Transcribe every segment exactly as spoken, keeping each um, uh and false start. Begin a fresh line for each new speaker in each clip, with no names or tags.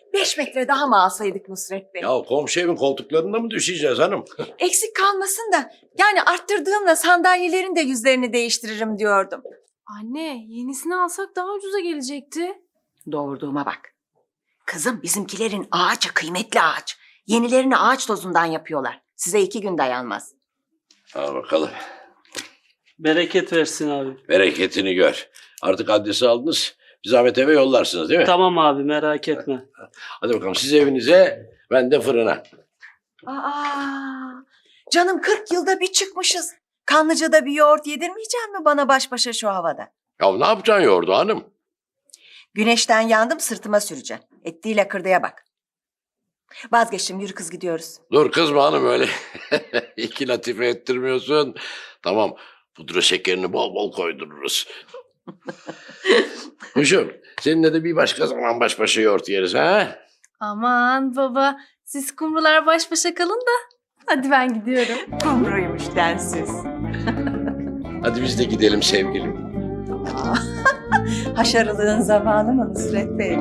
beş metre daha mı alsaydık Nusret Bey?
Ya komşu evin koltuklarında mı düşeceğiz hanım?
Eksik kalmasın da yani arttırdığımla sandalyelerin de yüzlerini değiştiririm diyordum.
Anne, yenisini alsak daha ucuza gelecekti.
Doğurduğuma bak. Kızım bizimkilerin ağaçı kıymetli ağaç. Yenilerini ağaç tozundan yapıyorlar. Size iki gün dayanmaz.
Al bakalım.
Bereket versin abi.
Bereketini gör. Artık adresi aldınız. Bir zahmet eve yollarsınız değil mi?
Tamam abi, merak etme.
Hadi bakalım siz evinize, ben de fırına.
Aa, canım kırk yılda bir çıkmışız. Kanlıca'da bir yoğurt yedirmeyecek mi bana baş başa şu havada?
Ya ne yapacaksın yoğurdu hanım?
Güneşten yandım sırtıma süreceğim. Ettiğiyle kırdıya bak. Vazgeçtim yürü kız gidiyoruz.
Dur kızma hanım öyle. İki latife ettirmiyorsun. Tamam, pudra şekerini bol bol koydururuz. Kuşum, seninle de bir başka zaman baş başa yoğurt yeriz ha?
Aman baba, siz kumrular baş başa kalın da. Hadi ben gidiyorum.
Kumruymuş densiz.
Hadi biz de gidelim sevgilim.
Haşarılığın zamanı mı Nusret Bey?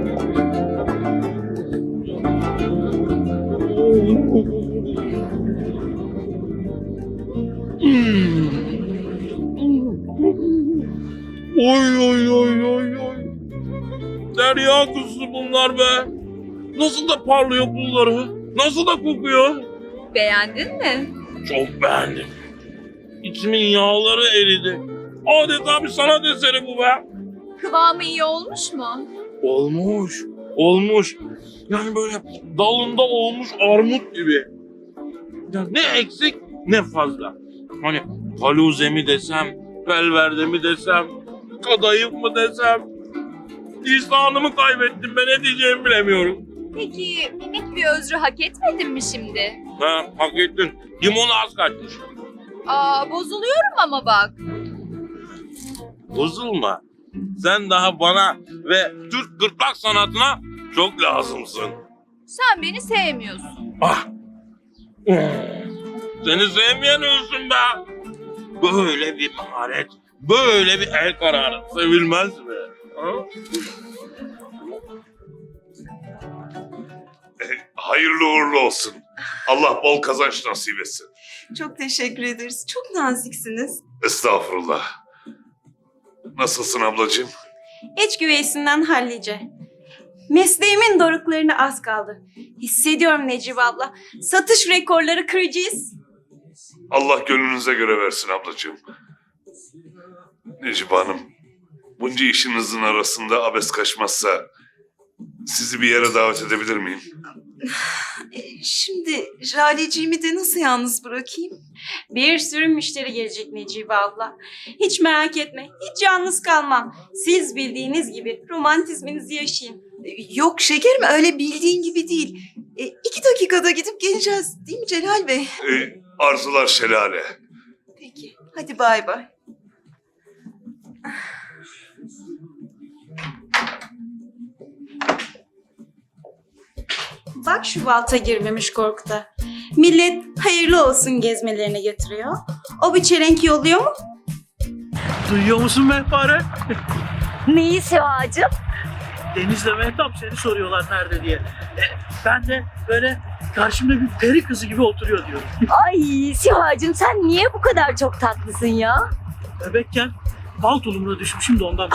Oy oy oy oy oy. Derya kuzusu bunlar be. Nasıl da parlıyor pulları. Nasıl da kokuyor.
Beğendin mi?
Çok beğendim. İçimin yağları eridi. Adeta bir sanat eseri bu be.
Kıvamı iyi olmuş mu?
Olmuş. Olmuş. Yani böyle dalında olmuş armut gibi. Ya ne eksik ne fazla. Hani haluze mi desem, velverde mi desem, kadayıf mı desem. İhsanımı kaybettim, ben ne diyeceğimi bilemiyorum.
Peki minik bir özrü hak etmedin mi şimdi?
Ha, hak ettin. Limonu az kaçmış.
Aa, bozuluyorum ama bak.
Bozulma. Sen daha bana ve Türk gırtlak sanatına çok lazımsın.
Sen beni sevmiyorsun.
Ah! Seni sevmeyen ölsün be! Böyle bir maharet, böyle bir el kararı sevilmez mi? Ha?
Hayırlı uğurlu olsun. Allah bol kazanç nasip etsin.
Çok teşekkür ederiz. Çok naziksiniz.
Estağfurullah. Nasılsın ablacığım?
İç güveysinden hallice. Mesleğimin doruklarına az kaldı. Hissediyorum Necibe abla. Satış rekorları kıracağız.
Allah gönlünüze göre versin ablacığım. Necibe Hanım, bunca işinizin arasında abes kaçmazsa sizi bir yere davet edebilir miyim?
Şimdi Jaleciğimi de nasıl yalnız bırakayım? Bir sürü müşteri gelecek Necibe abla. Hiç merak etme. Hiç yalnız kalmam. Siz bildiğiniz gibi romantizminizi yaşayın. Yok şekerim öyle bildiğin gibi değil. E, iki dakikada gidip geleceğiz değil mi Celal Bey?
Ee, arzular şelale.
Peki. Hadi bay bay. Bak şu balta girmemiş Korkut'a. Millet hayırlı olsun gezmelerine götürüyor. O bir çelenk yolluyor mu?
Duyuyor musun Mehpare?
Neyi Süha'cığım?
Deniz'le Mehtap seni soruyorlar nerede diye. E, ben de böyle karşımda bir peri kızı gibi oturuyor diyorum.
Ay Süha'cığım sen niye bu kadar çok tatlısın ya?
Bebekken bal tulumuna düşmüşüm de ondan.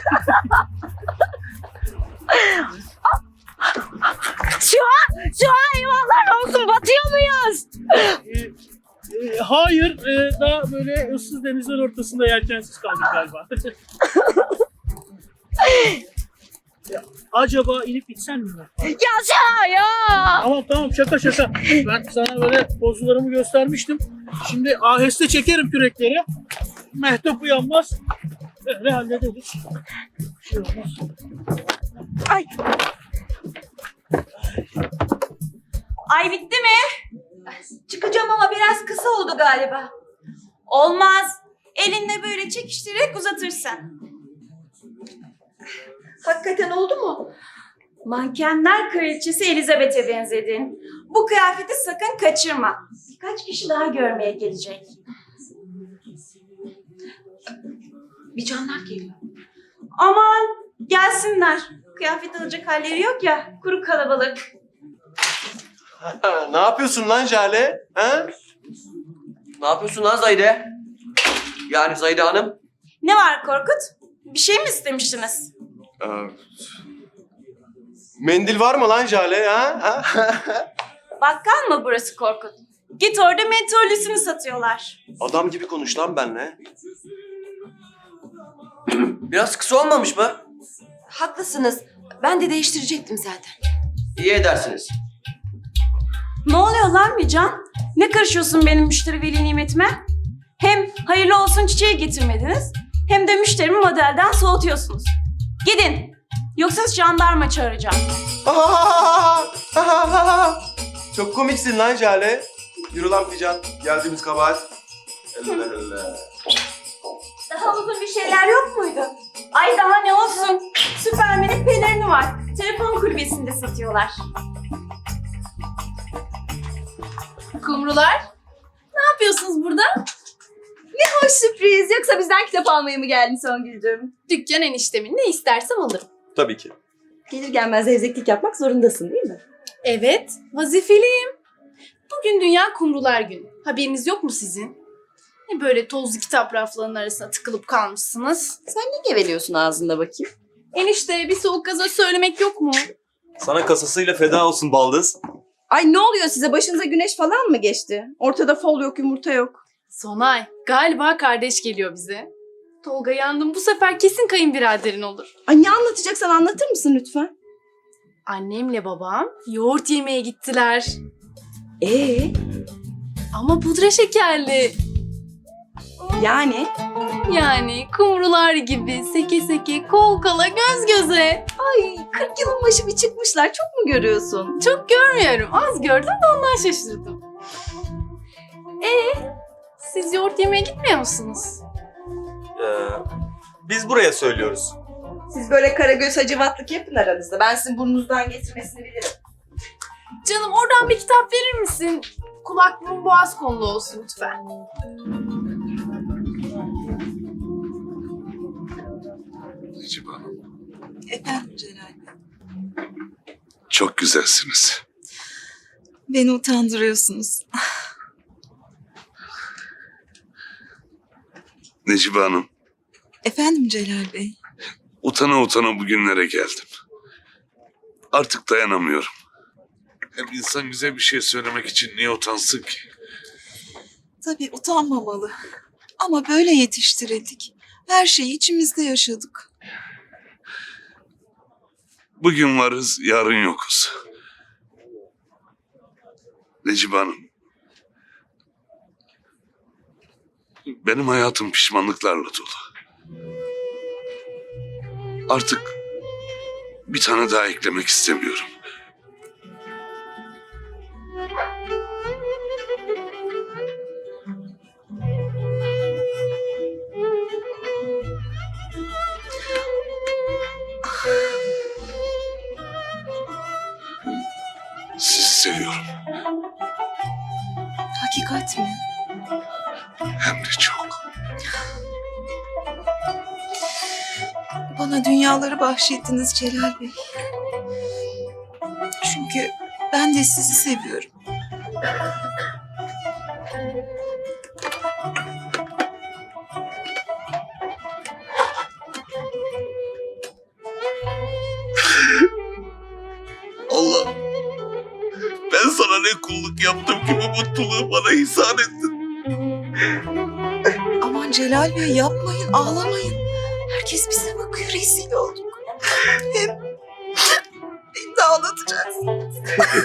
Süha! Süha eyvahlar olsun batıyor muyuz?
E, e, hayır, e, daha böyle ıssız denizler ortasında yelkensiz kaldık galiba. Ya, acaba inip gitsen mi?
Ya Süha ya!
Tamam tamam şaka şaka. Ben sana böyle pozularımı göstermiştim. Şimdi aheste çekerim kürekleri. Mehtap uyanmaz. Böyle hallederiz. Bir şey olmaz.
Ay!
Ay bitti mi? Çıkacağım ama biraz kısa oldu galiba. Olmaz. Elinle böyle çekiştirerek uzatırsın. Hakikaten oldu mu? Mankenler kraliçesi Elizabeth'e benzedin. Bu kıyafeti sakın kaçırma. Birkaç kişi daha görmeye gelecek. Bir canlar geliyor. Aman gelsinler. Kıyafet alacak halleri yok ya. Kuru kalabalık.
Ne yapıyorsun lan Jale? Ha?
Ne yapıyorsun lan Zahide? Yani Zahide Hanım?
Ne var Korkut? Bir şey mi istemiştiniz?
Ee, mendil var mı lan Jale? Ha? Ha?
Bakkal mı burası Korkut? Git orada mentollüsünü satıyorlar.
Adam gibi konuş lan benimle.
Biraz kısa olmamış mı?
Haklısınız. Ben de değiştirecektim zaten.
İyi edersiniz.
Ne oluyor lan Mican? Ne karışıyorsun benim müşteri veli nimetime? Hem hayırlı olsun çiçeği getirmediniz, hem de müşterimi modelden soğutuyorsunuz. Gidin. Yoksa jandarma çağıracağım.
Çok komiksin lan Jale. Yürü lan Fican. Geldiğimiz kabahat. Allah Allah.
Daha uzun bir şeyler yok muydu? Ay daha ne olsun? Süpermen'in pelerini var. Telefon kulübesinde satıyorlar.
Kumrular, ne yapıyorsunuz burada?
Hoş sürpriz. Yoksa bizden kitap almaya mı geldin Songül'cüğüm?
Dükkan eniştemin ne istersem alırım.
Tabii ki.
Gelir gelmez zevzeklik yapmak zorundasın değil mi?
Evet, vazifeliyim. Bugün Dünya Kumrular Günü. Haberiniz yok mu sizin? Ne böyle tozlu kitap raflarının arasına tıkılıp kalmışsınız?
Sen ne geveliyorsun ağzında bakayım?
Enişte bir soğuk gazoz söylemek yok mu?
Sana kasasıyla feda olsun baldız.
Ay ne oluyor size? Başınıza güneş falan mı geçti? Ortada fol yok, yumurta yok.
Sonay, galiba kardeş geliyor bize. Tolga yandım, bu sefer kesin kayınbiraderin olur.
Ay ne anlatacaksan anlatır mısın lütfen?
Annemle babam yoğurt yemeye gittiler.
Ee,
Ama pudra şekerli.
yani?
Yani kumrular gibi seke seke, kol kola, göz göze.
Ay kırk yılın başı bir çıkmışlar. Çok mu görüyorsun?
Çok görmüyorum. Az gördüm de ondan şaşırdım. Ee, siz yoğurt yemeye gitmiyor musunuz?
Ee, biz buraya söylüyoruz.
Siz böyle karagöz hacivatlık yapın aranızda. Ben sizin burnunuzdan getirmesini bilirim.
Canım oradan bir kitap verir misin? Kulaklığım boğaz konulu olsun lütfen.
Necip Hanım,
Efendim Celal Bey.
çok güzelsiniz.
Beni utandırıyorsunuz.
Necip Hanım,
Efendim Celal Bey.
utana utana bugünlere geldim. Artık dayanamıyorum. Hem insan güzel bir şey söylemek için niye utansın ki?
Tabii utanmamalı. Ama böyle yetiştirildik. Her şeyi içimizde yaşadık.
Bugün varız, yarın yokuz. Necip Hanım, benim hayatım pişmanlıklarla dolu. Artık bir tane daha eklemek istemiyorum. Sizi seviyorum.
Hakikat mi?
Hem de çok.
Bana dünyaları bahşettiniz Celal Bey. Çünkü ben de sizi seviyorum.
Allah, ben sana ne kulluk yaptım ki bu mutluluğu bana ihsan ettin.
Aman Celal Bey yapmayın, ağlamayın. Herkes bize bakıyor, rezil olduk. Hem beni de ağlatacaksın.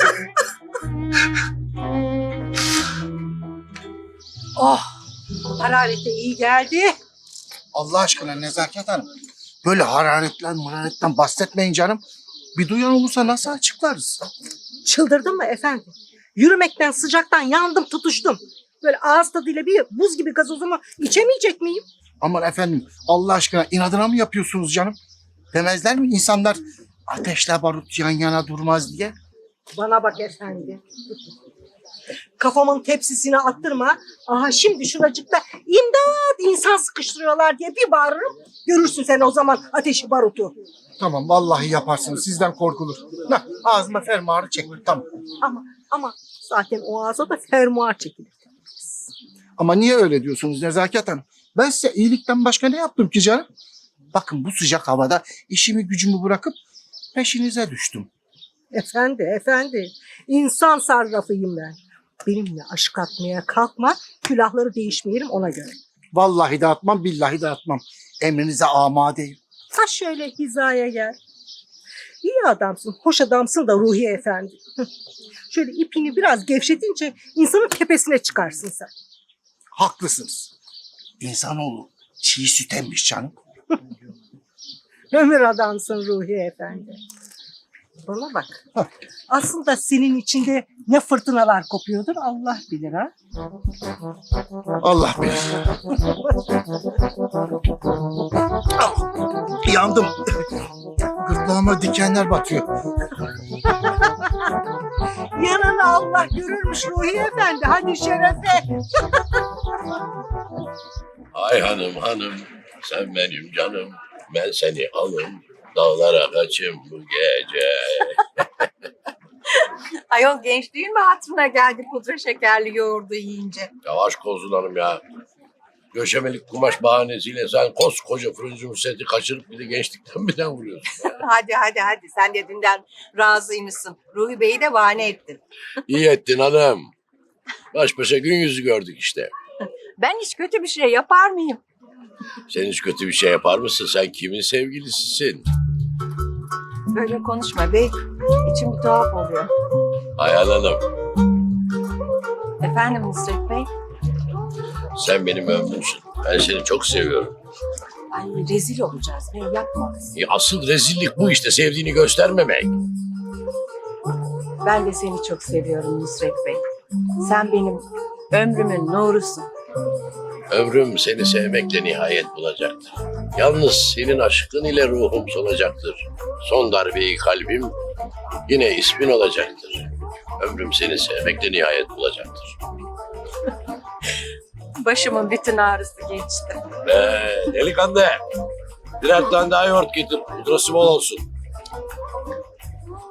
Oh, hararete iyi geldi.
Allah aşkına Nezaket Hanım. Böyle hararetten mararetten bahsetmeyin canım. Bir duyan olursa nasıl açıklarız?
Çıldırdın mı efendim? Yürümekten sıcaktan yandım tutuştum. Böyle ağız tadıyla bir buz gibi gazozumu içemeyecek miyim?
Aman efendim Allah aşkına inadına mı yapıyorsunuz canım? Demezler mi insanlar ateşle barut yan yana durmaz diye?
Bana bak efendi. Kafamın tepsisine attırma. Aha şimdi şuracıkta imdat insan sıkıştırıyorlar diye bir bağırırım. Görürsün sen o zaman ateşi barutu.
Tamam vallahi yaparsınız. Sizden korkulur. Nah, ağzıma fermuarı çektim. Tamam.
Ama ama zaten o ağza da fermuar çekilir.
Ama niye öyle diyorsunuz Nezaket Hanım? Ben size iyilikten başka ne yaptım ki canım? Bakın bu sıcak havada işimi gücümü bırakıp peşinize düştüm.
Efendi, efendi. İnsan sarrafıyım ben. Benimle aşk atmaya kalkma, külahları değişmeyelim ona göre.
Vallahi dağıtmam, billahi dağıtmam. Emrinize amadeyim.
Ha şöyle hizaya gel. İyi adamsın, hoş adamsın da Ruhiye Efendi. Şöyle ipini biraz gevşetince insanın tepesine çıkarsın sen.
Haklısınız. İnsanoğlu çiğ süt emmiş canım.
Ömür adamsın Ruhiye Efendi. Bana bak. Aslında senin içinde ne fırtınalar kopuyordur Allah bilir ha.
Allah bilir. Ah, yandım. Gırtlağıma dikenler batıyor.
Yanını Allah görürmüş Ruhiye Efendi. Hadi şerefe.
Ay hanım hanım, sen benim canım, ben seni alım, dağlara kaçım bu gece.
Ayol gençliğin mi hatırına geldi pudra şekerli yoğurdu yiyince?
Yavaş Kozun Hanım ya. Döşemelik kumaş bahanesiyle sen koskoca fırıncı seti kaçırıp bir de gençlikten birden vuruyorsun.
Hadi hadi hadi sen de dünden razıymışsın. Ruhi Bey'i de bahane ettin.
İyi ettin hanım. Baş başa gün yüzü gördük işte.
Ben hiç kötü bir şey yapar mıyım?
Sen hiç kötü bir şey yapar mısın? Sen kimin sevgilisisin?
Böyle konuşma bey. İçim bir tuhaf oluyor.
Ayhan Hanım,
Efendim Nusret Bey?
sen benim ömrümsün. Ben seni çok seviyorum.
Ay rezil olacağız bey yapma.
E, asıl rezillik bu işte, sevdiğini göstermemek.
Ben de seni çok seviyorum Nusret Bey. Sen benim ömrümün nurusun.
Ömrüm seni sevmekle nihayet bulacaktır. Yalnız senin aşkın ile ruhum solacaktır. Son darbeyi kalbim yine ismin olacaktır. Ömrüm seni sevmekle nihayet bulacaktır.
Başımın bütün ağrısı geçti.
Ee, delikanlı, birer tane daha yoğurt getir. Pudrası bol olsun.